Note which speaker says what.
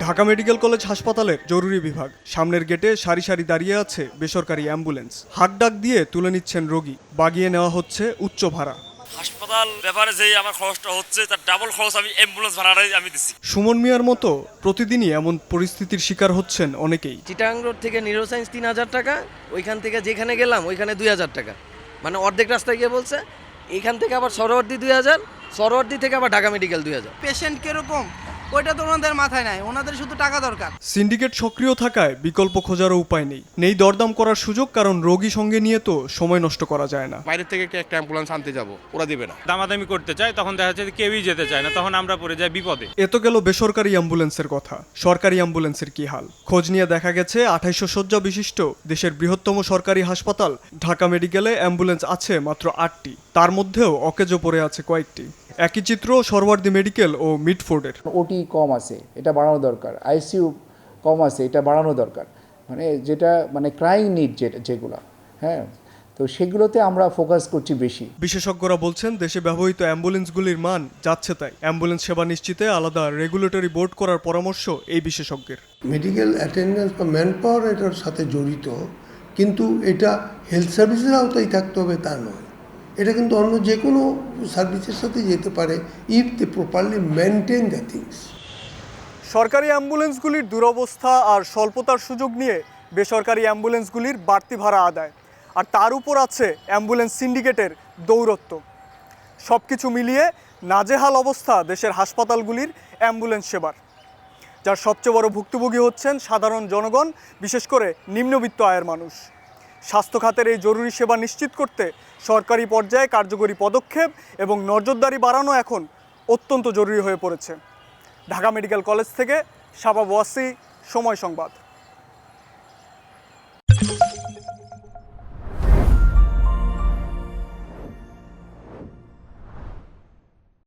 Speaker 1: Dhaka medical college হাসপাতালের জরুরি বিভাগ। সামনের গেটে সারি সারি দাঁড়িয়ে আছে বেসরকারি অ্যাম্বুলেন্স। হাক ডাক দিয়ে তুলে নিচ্ছেন রোগী, বাগিয়ে নেওয়া হচ্ছে উচ্চ ভাড়া।
Speaker 2: হাসপাতাল ব্যাপারে যেই আমার খরচটা হচ্ছে তার ডাবল খরচ আমি অ্যাম্বুলেন্স ভাড়াটাই আমি দিচ্ছি।
Speaker 1: সুমন মিয়ার মতো প্রতিদিনই এমন পরিস্থিতির শিকার হচ্ছেন অনেকেই।
Speaker 3: চিটাং রোড থেকে নিউরোসায়েন্স 3000 টাকা, ওইখান থেকে যেখানে গেলাম ওইখানে 2000 টাকা, মানে অর্ধেক রাস্তায় গিয়ে বলছে। এইখান থেকে আবার সরোয়ার্দী 2000, সরোয়ার্দী থেকে আবার ঢাকা মেডিকেল 2000।
Speaker 4: পেশেন্ট কিরকম ওইটা তো ওনাদের মাথায় নাই, ওনাদের শুধু টাকা দরকার।
Speaker 1: সিন্ডিকেট সক্রিয় থাকায় বিকল্প খোঁজারও উপায় নেই দরদাম করার সুযোগ, কারণ রোগী সঙ্গে নিয়ে তো সময় নষ্ট করা যায় না।
Speaker 5: বাইরে থেকে একটা অ্যাম্বুলেন্স আনতে যাব, ওরা দেবে না।
Speaker 6: দামাদামি করতে চায়, তখন দেখা যাচ্ছে কেউই যেতে চায় না, তখন আমরা পড়ে যাই বিপদে।
Speaker 1: এ তো গেল বেসরকারি অ্যাম্বুলেন্সের কথা। সরকারি অ্যাম্বুলেন্সের কি হাল? খোঁজ নিয়ে দেখা গেছে 2800 শয্যা বিশিষ্ট দেশের বৃহত্তম সরকারি হাসপাতাল ঢাকা মেডিকেলে অ্যাম্বুলেন্স আছে মাত্র 8টি, তার মধ্যেও অকেজো পড়ে আছে কয়েকটি। একই চিত্র সরওয়ার্দী মেডিকেল ও মিডফোর্ডের।
Speaker 7: ওটি কম আছে, এটা বাড়ানো দরকার। আইসিইউ কম আছে, এটা বাড়ানো দরকার। যেটা ক্রাইং নিড যেগুলো, হ্যাঁ, তো সেগুলোতে আমরা ফোকাস করছি বেশি।
Speaker 1: বিশেষজ্ঞরা বলছেন দেশে ব্যবহৃত অ্যাম্বুলেন্সগুলির মান যাচ্ছে তাই। অ্যাম্বুলেন্স সেবা নিশ্চিতে আলাদা রেগুলেটরি বোর্ড করার পরামর্শ এই বিশেষজ্ঞের।
Speaker 8: মেডিকেল অ্যাটেন্ডেন্স বা ম্যান পাওয়ার এটার সাথে জড়িত, কিন্তু এটা হেলথ সার্ভিসের আওতায় থাকতে হবে তা নয়। এটা কিন্তু অন্য যে কোনো সার্ভিসের সাথে যেতে পারে if they properly maintain the things.
Speaker 1: সরকারি অ্যাম্বুলেন্সগুলির দুরবস্থা আর স্বল্পতার সুযোগ নিয়ে বেসরকারি অ্যাম্বুলেন্সগুলির বাড়তি ভাড়া আদায়, আর তার উপর আছে অ্যাম্বুলেন্স সিন্ডিকেটের দৌরত্ব। সব কিছু মিলিয়ে নাজেহাল অবস্থা দেশের হাসপাতালগুলির অ্যাম্বুলেন্স সেবার, যার সবচেয়ে বড় ভুক্তভোগী হচ্ছেন সাধারণ জনগণ, বিশেষ করে নিম্নবিত্ত আয়ের মানুষ। স্বাস্থ্য খাতের এই জরুরি সেবা নিশ্চিত করতে সরকারি পর্যায়ে কার্যকরী পদক্ষেপ এবং নজরদারি বাড়ানো এখন অত্যন্ত জরুরি হয়ে পড়েছে। ঢাকা মেডিকেল কলেজ থেকে শাবাব ওয়াসি, সময় সংবাদ।